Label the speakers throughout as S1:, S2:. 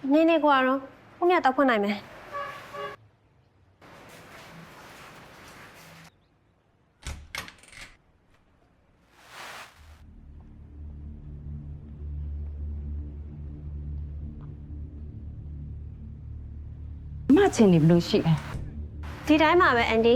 S1: နေကွာတော့ခုမြတ်တော့ဖွင့်နိုင်မယ်
S2: မချင်နေဘလို့ရှိလဲ
S1: ဒီတိုင်းမှာပဲအန်ဒီ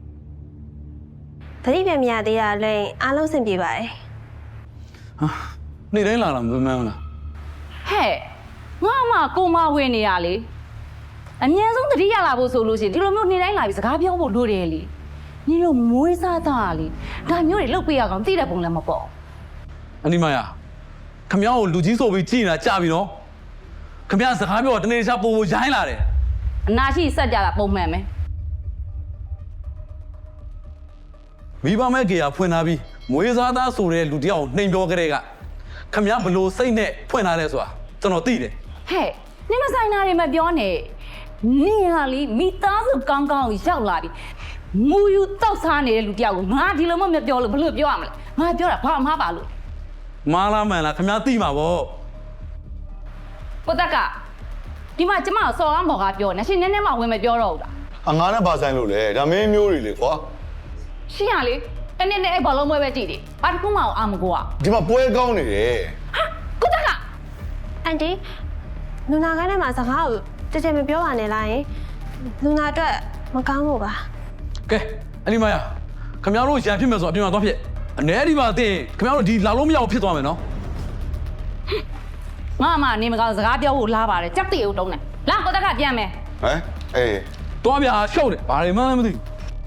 S1: သတိပြန်မရသေးတာလည်းအားလုံးစင်ပြေပါတယ်
S3: ဟာနေ့တိုင်းလာမမှန်းလား
S2: ဟဲ့ငါမှကိုမဝင်နေရလေအမြဲဆုံးတတိယလာဖို့ဆိုလို့ရှိရင်ဒီလိုမျိုးနေတိုင်းလာပြီးစကားပြောဖို့လိုတယ်လေညီတို့မွေးစားတာလေဒါမျိုးတွေလုတ်ပေးရကောင်သိတဲ့ပုံလည်းမပေါ့
S3: အနိမယာခမ ्या ကိုလူကြီးဆိုပြီးကြည်နေတာကြပြီနော်ခမ ्या စကားပြောတော့တနေ့တခြားပို့ရိုင်းလာတယ်
S2: အနာရှိစက်ကြတာပုံမှန်ပဲ
S3: မိဘမဲ့ကေယာဖွင့်ထားပြီးမွေးစားသားဆိုတဲ့လူတယောက်နှိမ်ပြောကြတဲ့ကခမ ्या ဘလို့စိတ်နဲ့ဖွင့်ထားလဲဆိုတာကျွန်တော်သိတယ်
S2: ဟဲ့နေမဆိုင်တာတွေမပြောနဲ့နေဟာလီမိသားစုကောင်းကောင်းရောက်လာပြီမူယူတောက်စားနေတဲ့လူတယောက်ကိုငါဒီလိုမှမပြောလို့ဘယ်လိုပြောရမလဲငါပြောတာဘာမှမပါလို့
S3: မားလားမှန်လားခမ ्या သိမှာပေါ့
S2: ကိုတက်ကဒီမှာကျမကိုစော်ကားမော်ကားပြောနေရှင်နည်းနည်းမှဝင်မပြောတော့ဘူးလား
S4: အငါနဲ့ပါဆိုင်လို့လေဒါမင်းမျိုးတွေလေကွာ
S2: ရှင်ရလေတနေ့နဲ့အဲ့ဘောလုံးပွဲပဲကြည့်တယ်ဘာတစ်ခုမှအာမကိုอ่ะ
S4: ဒီမှာပွဲကောင်းနေတယ်
S2: ဟာကိုတက်က
S1: အန်ဒီလူနာကန်းထဲမှာစကားကိုတကယ်မပြောပါနဲ့လားယင်လူနာအတွက်မကောင်းဘူးပါ
S3: ကဲအနိမယာခမ ्या တို့ရန်ဖြစ်မယ်ဆိုအပြင်မှာသွားဖြစ်အနေဒီမှာသိရင်ခမ ्या တို့ဒီလာလို့မရဘူးဖြစ်သွားမယ်နော်
S2: ငါမှနေမကောင်းစကားပြောဖို့လားပါတယ်ကြက်တေကိုတုံးတယ်လာကိုတက်ကပြန်မယ်
S4: ဟမ်အေး
S3: တွားပြရှုပ်တယ်ဘာတွေမှန်းလည်းမသိဘူး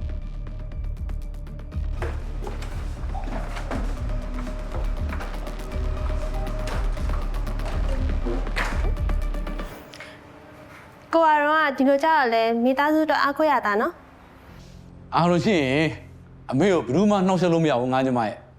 S1: ကိုကတော့ဒီလိုကြောက်လဲမိသားစုတော့အားကိုးရတာနော်
S3: အားလို့ရှိရင်အမေကိုဘယ်သူမှနှောက်ယှက်လို့မရဘူးငါညီမရဲ့